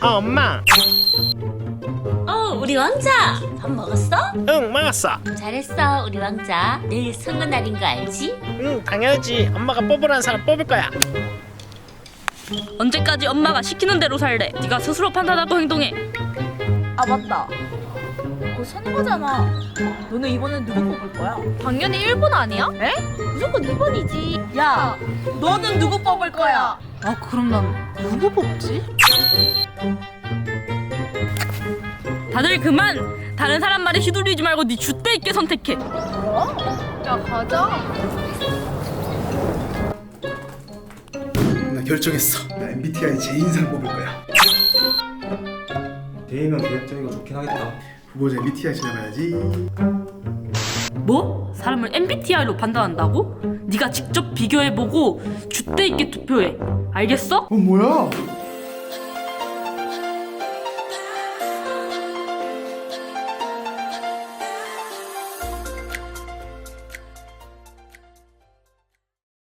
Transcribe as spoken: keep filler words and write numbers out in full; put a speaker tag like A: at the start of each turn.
A: 어, 엄마.
B: 어, 우리 왕자 밥 먹었어?
A: 응, 먹었어.
B: 잘했어, 우리 왕자. 내일 선거 날인 거 알지?
A: 응, 당연하지. 엄마가 뽑으라는 사람 뽑을 거야.
C: 언제까지 엄마가 시키는 대로 살래? 네가 스스로 판단하고 행동해.
D: 아 맞다. 그거 선거잖아. 너네 이번엔 누구 뽑을 거야?
E: 당연히 일 번 아니야?
D: 에? 무조건 이 번이지. 야, 너는 누구 뽑을 거야?
E: 아 그럼 난 누구 뽑지?
C: 다들 그만! 다른 사람 말에 휘둘리지 말고 네 줏대 있게 선택해.
E: 야 가자.
F: 나 결정했어. 나 엠비티아이 제인상 뽑을 거야.
G: 대이면 계획적이고 좋긴 하겠다.
F: 후보자 엠비티아이 찾아봐야지.
C: 뭐? 사람을 엠비티아이로 판단한다고? 네가 직접 비교해보고 줏대 있게 투표해. 알겠어?
F: 어 뭐야?